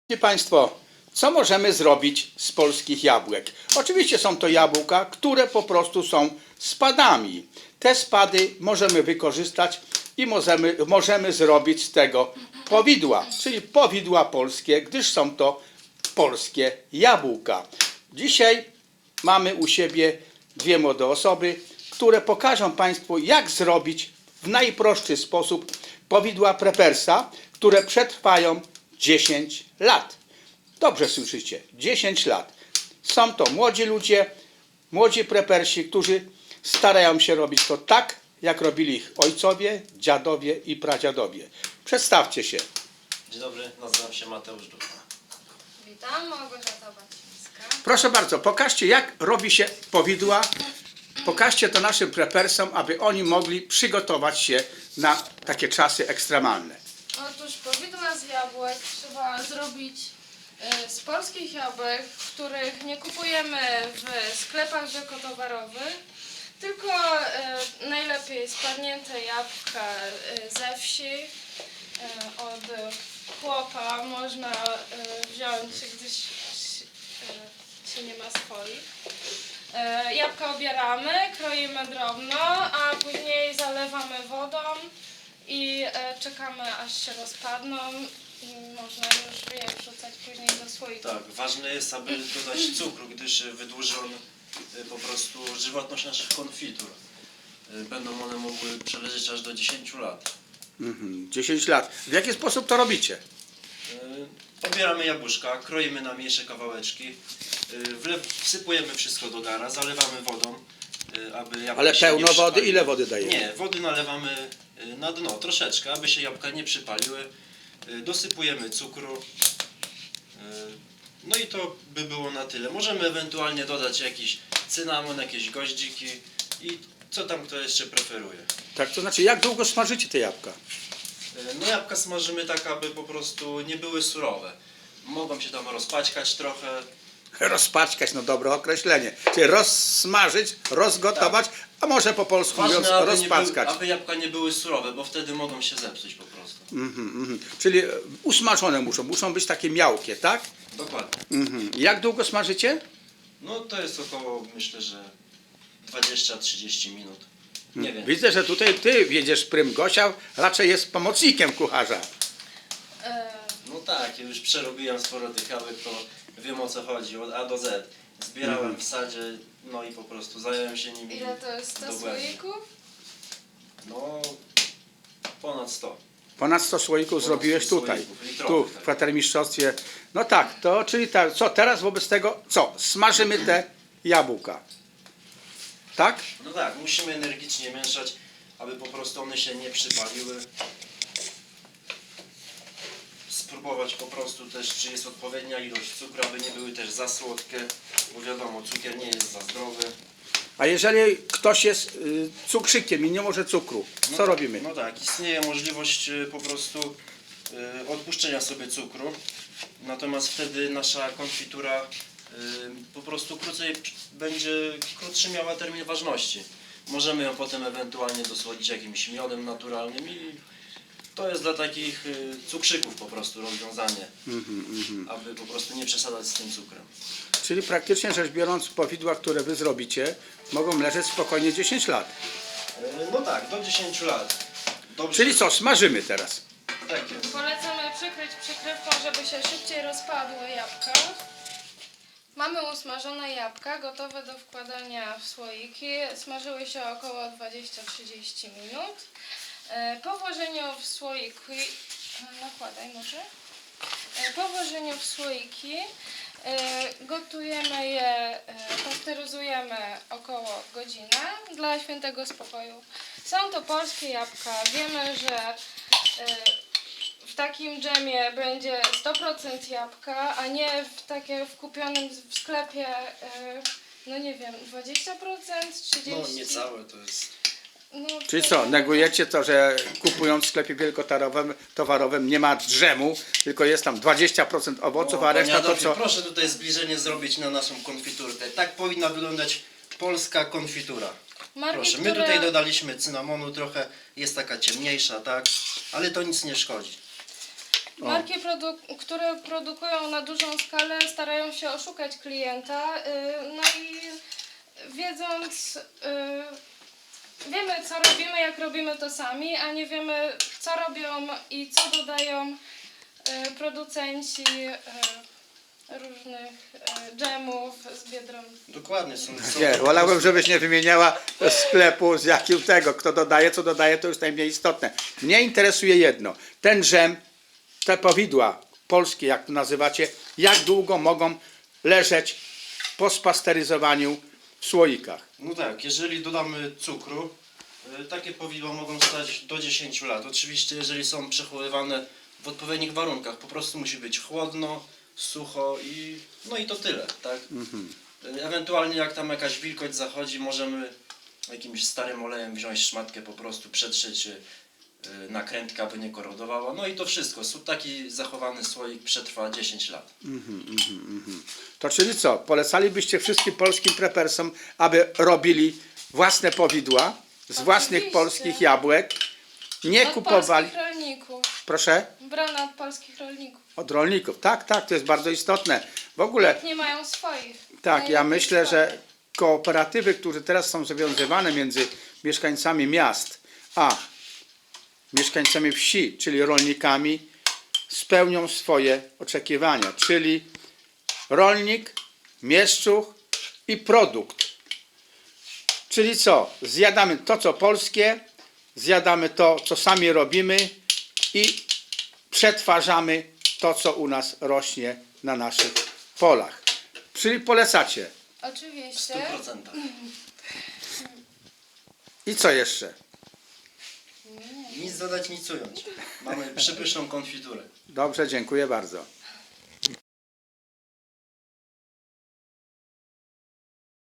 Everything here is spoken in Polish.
Szanowni Państwo, co możemy zrobić z polskich jabłek? Oczywiście są to jabłka, które po prostu są spadami. Te spady możemy wykorzystać i możemy zrobić z tego powidła, czyli powidła polskie, gdyż są to polskie jabłka. Dzisiaj mamy u siebie dwie młode osoby, które pokażą Państwu, jak zrobić w najprostszy sposób powidła prepersa, które przetrwają 10 lat. Dobrze słyszycie, 10 lat. Są to młodzi ludzie, młodzi prepersi, którzy starają się robić to tak, jak robili ich ojcowie, dziadowie i pradziadowie. Przedstawcie się. Dzień dobry, nazywam się Mateusz Ducha. Witam, Małgorzata Bacińska. Proszę bardzo, pokażcie, jak robi się powidła. Pokażcie to naszym prepersom, aby oni mogli przygotować się na takie czasy ekstremalne. Otóż powidła z jabłek trzeba zrobić z polskich jabłek, których nie kupujemy w sklepach rzekotowarowych, tylko najlepiej spadnięte jabłka ze wsi. Od chłopa można wziąć, gdyż się nie ma swoich. Jabłka obieramy, kroimy drobno, a później zalewamy wodą i czekamy, aż się rozpadną i można już je wrzucać później do słoika. Tak, ważne jest, aby dodać cukru, gdyż wydłuży on po prostu żywotność naszych konfitur. Będą one mogły przeleżeć aż do 10 lat. 10 lat. W jaki sposób to robicie? Obieramy jabłuszka, kroimy na mniejsze kawałeczki, wsypujemy wszystko do gara, zalewamy wodą, aby jabłka Ale się pełno nie wody? przypaliły. Ile wody dajemy? Nie, wody nalewamy na dno troszeczkę, aby się jabłka nie przypaliły. Dosypujemy cukru. No i to by było na tyle. Możemy ewentualnie dodać jakiś cynamon, jakieś goździki i co tam kto jeszcze preferuje. Tak, to znaczy, jak długo smażycie te jabłka? No jabłka smażymy tak, aby po prostu nie były surowe. Mogą się tam rozpaćkać trochę. Rozpaćkać, no dobre określenie. Czyli rozsmażyć, rozgotować, a może po polsku mówiąc Ważne, aby, rozpackać. aby jabłka nie były surowe, bo wtedy mogą się zepsuć po prostu. Czyli usmażone muszą być takie miałkie, tak? Dokładnie. Jak długo smażycie? No to jest około, myślę, że 20-30 minut. Nie wiem. Widzę, że tutaj ty wiedziesz prym. Gosia raczej jest pomocnikiem kucharza. No tak, ja już przerobiłem sporo tych jabłek, to wiem o co chodzi, od A do Z. Zbierałem w sadzie, no i po prostu zająłem się nimi. Ile to jest 100 dogłębnie. słoików? No, ponad 100. Ponad 100 słoików zrobiłeś tutaj, słoików, tu litrowych, w tak. kwatermistrzostwie. No tak, to czyli tak, co teraz wobec tego, co? Smażymy te jabłka. Tak? No tak, musimy energicznie mieszać, aby po prostu one się nie przypaliły. Spróbować po prostu też, czy jest odpowiednia ilość cukru, aby nie były też za słodkie, bo wiadomo, cukier nie jest za zdrowy. A jeżeli ktoś jest cukrzykiem i nie może cukru, No co tak, robimy? No tak, istnieje możliwość po prostu odpuszczenia sobie cukru, natomiast wtedy nasza konfitura po prostu krótszy miała termin ważności. Możemy ją potem ewentualnie dosłodzić jakimś miodem naturalnym i to jest dla takich cukrzyków po prostu rozwiązanie, aby po prostu nie przesadzać z tym cukrem. Czyli praktycznie rzecz biorąc, powidła, które wy zrobicie, mogą leżeć spokojnie 10 lat. No tak, do 10 lat. Dobrze. Czyli co, smażymy teraz. Tak jest. Polecamy przykryć przykrywką, żeby się szybciej rozpadły jabłka. Mamy usmażone jabłka, gotowe do wkładania w słoiki. Smażyły się około 20-30 minut. Po włożeniu w słoiki, nakładaj może. Po włożeniu w słoiki gotujemy je, pasteryzujemy około godzinę dla świętego spokoju. Są to polskie jabłka. Wiemy, że w takim dżemie będzie 100% jabłka, a nie w kupionym w sklepie, no nie wiem, 20%, 30%. No niecałe to jest. No, Czyli co, negujecie to, że kupując w sklepie wielkotowarowym nie ma drzemu, tylko jest tam 20% owoców, a reszta to co? Proszę tutaj zbliżenie zrobić na naszą konfiturkę. Tak powinna wyglądać polska konfitura. marki, Proszę, my które- tutaj dodaliśmy cynamonu trochę, jest taka ciemniejsza, tak? Ale to nic nie szkodzi. Marki, które produkują na dużą skalę, starają się oszukać klienta, no i wiedząc, wiemy co robimy, jak robimy to sami, a nie wiemy co robią i co dodają producenci różnych dżemów z Biedronki. Dokładnie, są Nie, to po wolałbym, prostu- żebyś nie wymieniała sklepu z jakim tego, kto dodaje, co dodaje, to już najmniej istotne. Mnie interesuje jedno, ten dżem, te powidła polskie, jak to nazywacie, jak długo mogą leżeć po spasteryzowaniu w słoikach? No tak, jeżeli dodamy cukru, takie powidła mogą stać do 10 lat. Oczywiście, jeżeli są przechowywane w odpowiednich warunkach, po prostu musi być chłodno, sucho i no i to tyle, tak? Ewentualnie jak tam jakaś wilgoć zachodzi, możemy jakimś starym olejem wziąć szmatkę, po prostu przetrzeć nakrętkę, aby nie korodowała. No i to wszystko. Taki zachowany słoik przetrwa 10 lat. To czyli co, polecalibyście wszystkim polskim prepersom, aby robili własne powidła z własnych Oczywiście. polskich jabłek, nie Od kupowali, polskich rolników. proszę, Brane od polskich rolników. od rolników, tak, to jest bardzo istotne. W ogóle, Nie mają swoich. tak, ja Najlepiej myślę, swoich. że kooperatywy, które teraz są zawiązywane między mieszkańcami miast a mieszkańcami wsi, czyli rolnikami, spełnią swoje oczekiwania, czyli rolnik, mieszczuch i produkt. Czyli co? Zjadamy to, co polskie, zjadamy to, co sami robimy i przetwarzamy to, co u nas rośnie na naszych polach. Czyli polecacie. W Oczywiście. 100%. I co jeszcze? Nic dodać, nic ująć. Mamy przepyszną konfiturę. Dobrze, dziękuję bardzo.